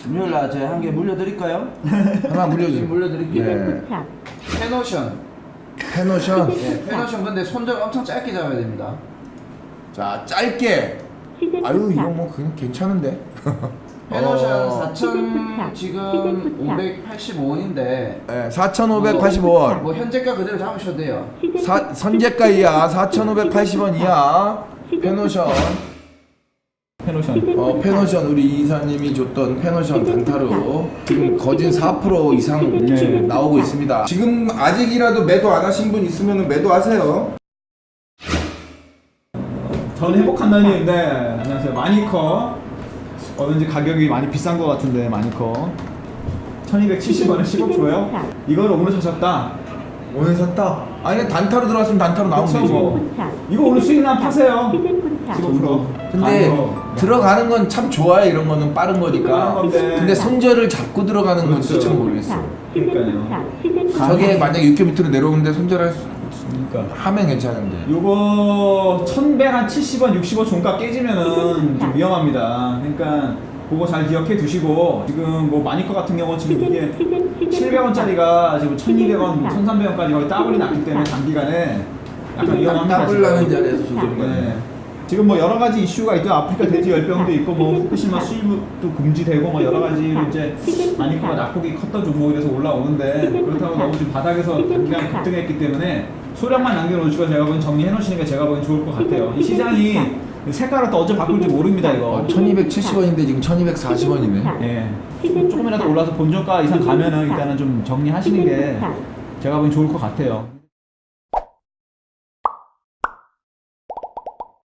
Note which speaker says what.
Speaker 1: 금요일날 제가 한 개 물려드릴까요?
Speaker 2: 하나 물려주세요.
Speaker 1: 물려드릴게요.
Speaker 2: 네.
Speaker 1: 페노션.
Speaker 2: 페노션.
Speaker 1: 네, 페노션 근데 손잡이 엄청 짧게 잡아야 됩니다.
Speaker 2: 자, 짧게. 아유, 이거 뭐 그냥 괜찮은데.
Speaker 1: 페노션 4,000 지금 585원인데.
Speaker 2: 네, 4,585원.
Speaker 1: 뭐 현재가 그대로 잡으셔도 돼요.
Speaker 2: 선제가 이하 4,580원 이하. 페노션. 페노션 우리 이사님이 줬던 페노션 단타로 지금 거진 4% 이상 나오고 있습니다. 지금 아직이라도 매도 안 하신 분 있으면 매도하세요.
Speaker 3: 저는 행복한다니인데 안녕하세요. 마니커 왠지 가격이 많이 비싼 것 같은데 마니커 1270원에 15%요? 이걸 오늘 사셨다.
Speaker 2: 오늘 샀다. 아니 단타로 들어왔으면 단타로 나오면
Speaker 3: 그쵸,
Speaker 2: 되지.
Speaker 3: 뭐. 이거 오늘 수익난 파세요. 15%.
Speaker 2: 근데 들어가는 건 참 좋아요. 이런 거는 빠른 거니까. 근데 손절을 잡고 들어가는 건
Speaker 3: 그렇죠.
Speaker 2: 참 모르겠어.
Speaker 3: 그러니까요.
Speaker 2: 저게 만약에 6개 밑으로 내려오는데 손절할 수
Speaker 3: 그러니까.
Speaker 2: 하면 괜찮은데.
Speaker 3: 요거 1170원 60원 종가 깨지면은 좀 위험합니다. 그러니까 그거 잘 기억해 두시고 지금 뭐 마니커 같은 경우는 지금 이게 700원짜리가 지금 1200원, 1300원까지 거의 따블이 났기 때문에 단기간에 약간 위험합니다.
Speaker 2: 따블 나는 자리에서 조절인 거네.
Speaker 3: 네. 지금 뭐 여러 가지 이슈가 있죠. 아프리카 돼지 열병도 있고 뭐 후쿠시마 수입도 금지되고 뭐 여러 가지 이제 마니커가 낙폭이 컸던 종목이라서 올라오는데 그렇다고 너무 지금 바닥에서 단기간에 급등했기 때문에 소량만 남겨놓으시고 제가 보기엔 정리해 놓으시는 게 제가 보기엔 좋을 것 같아요. 이 시장이 색깔을 또 어째 바꿀지 모릅니다 이거.
Speaker 2: 1270원인데 지금 1240원이네.
Speaker 3: 예. 조금이라도 올라서 본전가 이상 가면은 일단은 좀 정리하시는 게 제가 보기엔 좋을 것 같아요.